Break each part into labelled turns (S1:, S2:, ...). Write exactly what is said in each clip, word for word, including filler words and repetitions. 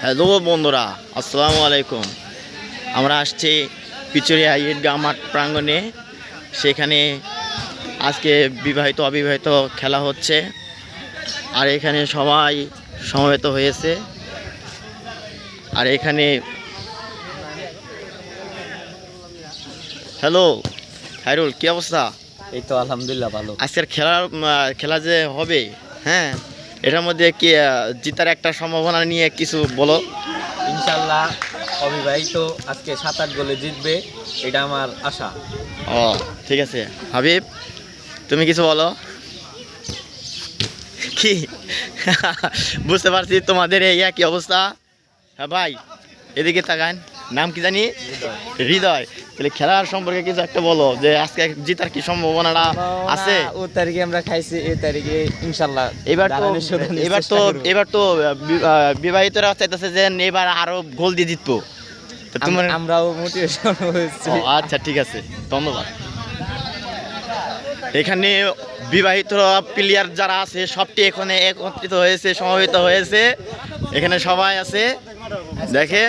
S1: Hello বন্ধুরা, আসসালামু আলাইকুম। আমরা আসছি পিচুরিয়া ঈদগাহ মাঠ প্রাঙ্গণে। সেখানে আজকে বিবাহিত অবিবাহিত খেলা হচ্ছে, আর এখানে সবাই সমবেত হয়েছে। আর এখানে হ্যালো হাইরুল, কি অবস্থা?
S2: এই তো আলহামদুলিল্লাহ ভালো।
S1: আজকের খেলার খেলা যে হবে, হ্যাঁ, এটার মধ্যে কি জিতার একটা সম্ভাবনা নিয়ে কিছু বলো।
S2: ইনশাল্লাহ অবিবাহিত আজকে সাত আট গোলে জিতবে, এটা আমার আশা।
S1: ও ঠিক আছে হাবিব, তুমি কিছু বলো। কি বুঝতে পারছি তোমাদের এই একই অবস্থা। হ্যাঁ ভাই, এদিকে তাকান, নাম কি জানি? হৃদয়। তাহলে খেলার সম্পর্কে কিছু একটা বলো, যে আজকে জিতার কি সম্ভাবনাটা আছে?
S2: ও তারিখে আমরা খাইছি, এই তারিখে ইনশাল্লাহ
S1: এবার তো এবার তো এবার তো বিবাহিতরা চাইতেছে যে এবার আরো গোল দিয়ে জিতবো। তোমার
S2: আমরাও মোটিভেশন হয়েছে।
S1: আচ্ছা ঠিক আছে, ধন্যবাদ। এখানে বিবাহিত প্লেয়ার যারা আছে সবটি এখানে একত্রিত হয়েছে, সমবেত হয়েছে। এখানে সবাই আছে, দেখেন।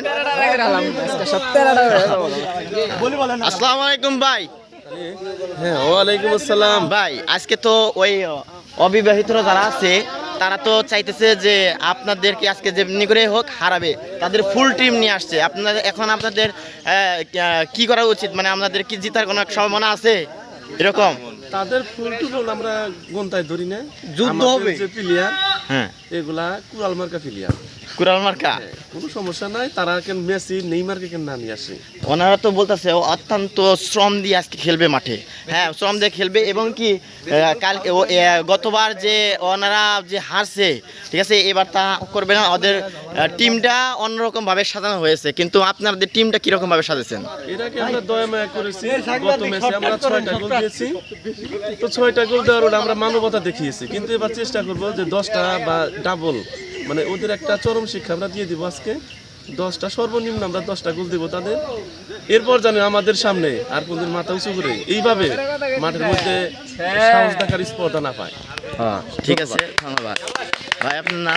S1: আসসালামু আলাইকুম ভাই।
S3: হ্যাঁ, ওয়ালাইকুম আসসালাম
S1: ভাই, আজকে তো ওই অবিবাহিতরা যারা আছে তারা তো চাইতেছে যে আপনাদেরকে আজকে যেমনি করে হোক হারাবে, তাদের ফুল টিম নিয়ে আসছে। আপনাদের এখন আপনাদের কি করা উচিত, মানে আপনাদের কি জেতার কোনো সম্ভাবনা আছে এরকম?
S3: তাদের ফুল টুল আমরা গন্তায় ধরি না,
S1: যুদ্ধ হবে
S3: যে প্লেয়ার,
S1: হ্যাঁ,
S3: এগুলা কুরাল মার্কা প্লেয়ার,
S1: কুরাল মার্কা,
S3: কোনো সমস্যা নাই। তারা কেন মেসি নেইমারকে কেন না নিয়ে আসে?
S1: ওনারা তো বলতেছে অত্যন্ত শ্রম দিয়ে আজকে খেলবে মাঠে, হ্যাঁ শ্রম দিয়ে খেলবে। এবং কি কালকে গতবার যে ওনারা যে হারছে, ঠিক আছে, এবার তা করবে না। ওদের টিমটা অন্যরকম ভাবে সাজানো হয়েছে, কিন্তু আপনাদের টিমটা কিরকম ভাবে সাজেছেন?
S3: এটাকে আমরা দয়া মায়া করেছি। গত ম্যাচে আমরা ছয়টা গোল দিয়েছি, তো ছয়টা গোল দেওয়ার আমরা মানবতা দেখিয়েছি, কিন্তু এবার চেষ্টা করবো যে দশটা বা ডাবল, মানে ওদের একটা চরম শিক্ষা আমরা দিয়ে দিব। আজকে দশটা সর্বনিম্ন আমরা দশটা গোল দিব তাদের। এরপর জানি আমাদের সামনে আর কোনদিন মাথা উঁচু করে এইভাবে মাঠের মধ্যে সাহস দেখার স্পর্ধা না পায়।
S1: হ্যাঁ ঠিক আছে, ধন্যবাদ ভাই। আপনার নাম?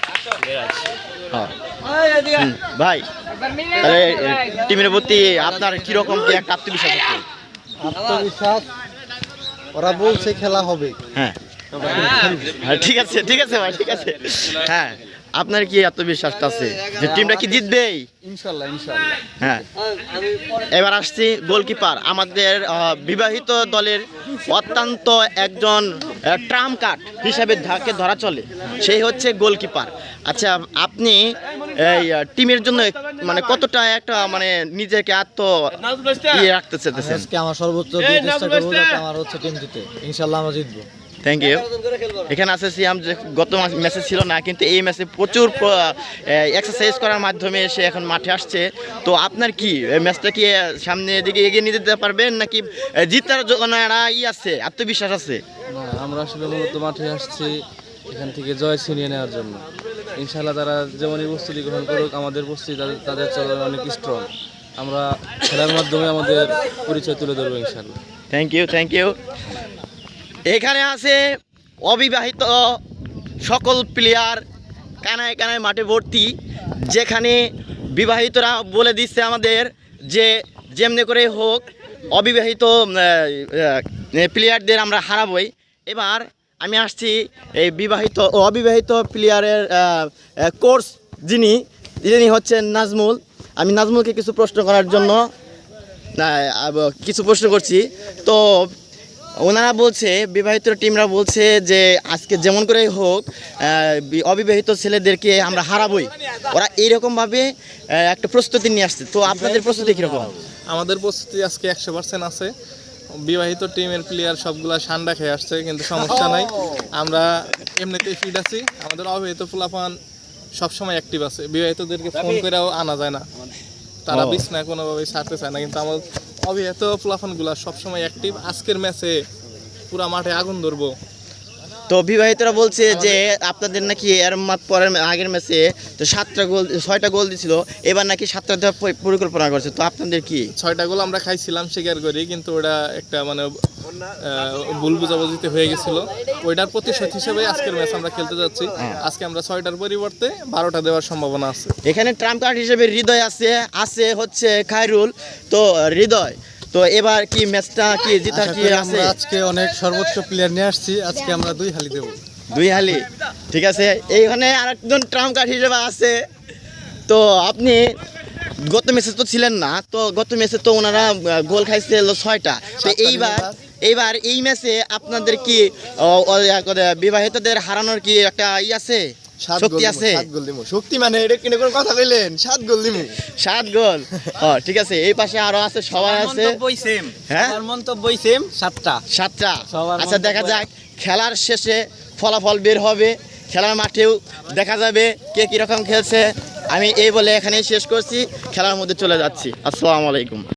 S1: ভাই, তাহলে টিমের প্রতি আপনার কিরকম কি একটা আত্মবিশ্বাস আছে?
S4: আত্মবিশ্বাস, ওরা বলছে খেলা হবে।
S1: হ্যাঁ হ্যাঁ ঠিক আছে, ঠিক আছে ভাই, ঠিক আছে। হ্যাঁ, আপনার কি আত্মবিশ্বাসটা আছে যে টিমটা কি জিতবেই?
S4: ইনশাল্লাহ ইনশাল্লাহ।
S1: হ্যাঁ, এবার আসছি গোলকিপার। আমাদের বিবাহিত দলের অত্যন্ত একজন ট্রাম্প কার্ড হিসাবে ধাকে ধরা চলে, সেই হচ্ছে গোলকিপার। আচ্ছা, আপনি এই টিমের জন্য মানে কতটা একটা মানে নিজেকে আত্ম ইয়ে রাখতে চাইতেছেন?
S4: আজকে আমার সর্বোচ্চ দিয়ে চেষ্টা করবো যাতে আমার হচ্ছে টিম জিতে। ইনশাল্লাহ আমরা জিতবো।
S1: Thank you. এখানে আছে সিয়াম, যে গত ম্যাচে ছিল না, কিন্তু এই ম্যাচে প্রচুর এক্সারসাইজ করার মাধ্যমে সে এখন মাঠে আসছে। তো আপনার কি ম্যাচটা কি সামনের দিকে এগিয়ে নিয়ে যেতে পারবেন, নাকি জিতার জন্য একটা ই আছে, আত্মবিশ্বাস আছে?
S5: না, আমরা আসলে মূলত মাঠে আসছি এখান থেকে জয় ছিনিয়ে নেওয়ার জন্য। ইনশাআল্লাহ তারা যেমনই প্রস্তুতি গ্রহণ করুক, আমাদের প্রস্তুতি তাদের তাদের চলে অনেক স্ট্রং। আমরা খেলার মাধ্যমে আমাদের পরিচয় তুলে ধরবো ইনশাআল্লাহ।
S1: Thank you, thank you. এখানে আছে অবিবাহিত সকল প্লেয়ার, কানায় কানায় মাঠে ভর্তি, যেখানে বিবাহিতরা বলে দিচ্ছে আমাদের যে যেমনি করে হোক অবিবাহিত প্লেয়ারদের আমরা হারাবই। এবার আমি আসছি এই বিবাহিত ও অবিবাহিত প্লেয়ারের কোচ যিনি যিনি হচ্ছেন নাজমুল। আমি নাজমুলকে কিছু প্রশ্ন করার জন্য কিছু প্রশ্ন করছি। তো ওনারা বলছে, বিবাহিত টিমরা বলছে যে আজকে যেমন করে হোক অবিবাহিত ছেলেদেরকে আমরা হারাবই। ওরা এইরকমভাবে একটা প্রস্তুতি নিয়ে আসছে। তো আপনাদের প্রস্তুতি কীরকম?
S6: আমাদের প্রস্তুতি আজকে একশো পার্সেন্ট আছে। বিবাহিত টিমের প্লেয়ার সবগুলা ঠান্ডা খেয়ে আসছে, কিন্তু সমস্যা নাই, আমরা এমনিতেই ফিট আছি। আমাদের অবিবাহিত ফুলাফান সবসময় অ্যাক্টিভ আছে, বিবাহিতদেরকে ফোন করেও আনা যায় না, তারা বিছনায় কোনোভাবেই ছাড়তে চায় না, কিন্তু আমার অবিবাহিত ফুলাফানগুলা সবসময় অ্যাক্টিভ। আজকের ম্যাচে পুরা মাঠে আগুন ধরবো,
S1: তো বিবাহিতরা বলছে যে আপনাদের নাকি এর মাত পরের আগের ম্যাচে তো সাতটা গোল ছয়টা গোল দিছিল, এবার নাকি সাতটা দেওয়ার পরি- পরিকল্পনা করছে, তো আপনাদের কি?
S6: ছয়টা গোল আমরা খাইছিলাম স্বীকার করি, কিন্তু ওটা একটা মানে আহ, ভুল বুঝাবুঝিতে হয়ে গেছিল। ওইটার প্রতিশোধ হিসেবে আজকের ম্যাচ আমরা খেলতে যাচ্ছি। আজকে আমরা ছয়টার পরিবর্তে বারোটা দেওয়ার সম্ভাবনা আছে।
S1: এখানে ট্রাম্প কার্ড হিসেবে হৃদয় আছে, আছে হচ্ছে খায়রুল। তো হৃদয়, তো এবার কি ম্যাচটা কি জিতার কি আছে?
S4: আজকে অনেক সর্বোচ্চ প্লেয়ার নিয়ে আসছি, আজকে আমরা দুই হালি দেবো।
S1: দুই হালি, ঠিক আছে। এইখানে আরেকজন ট্রাম্প কার্ড হিসেবে আছে। তো আপনি গত ম্যাচে তো ছিলেন না, তো গত ম্যাচে তো ওনারা আহ, গোল খাইছে হলো ছয়টা। তো এইবার এইবার এই ম্যাচে আপনাদের কি ও, ও, ইয়া করে বিবাহিতদের হারানোর কি একটা ই আছে, শক্তি আছে?
S4: শক্তি মানে এটা কিনে কোনো কথা কইলেন, সাত গোল দিমু।
S1: সাত গোল, ও ঠিক আছে। এই পাশে আরো আছে, সবাই আছে।
S2: সেম
S1: হ্যাঁ?
S2: আমার মন্তব্যই সেম, সাতটা।
S1: সাতটা।
S2: সবার
S1: আচ্ছা, দেখা
S2: মন্তব্য
S1: যাক খেলার শেষে ফলাফল বের হবে, খেলার মাঠেও দেখা যাবে কে কীরকম খেলছে। আমি এই বলে এখানেই শেষ করছি, খেলার মধ্যে চলে যাচ্ছি। আসসালামু আলাইকুম।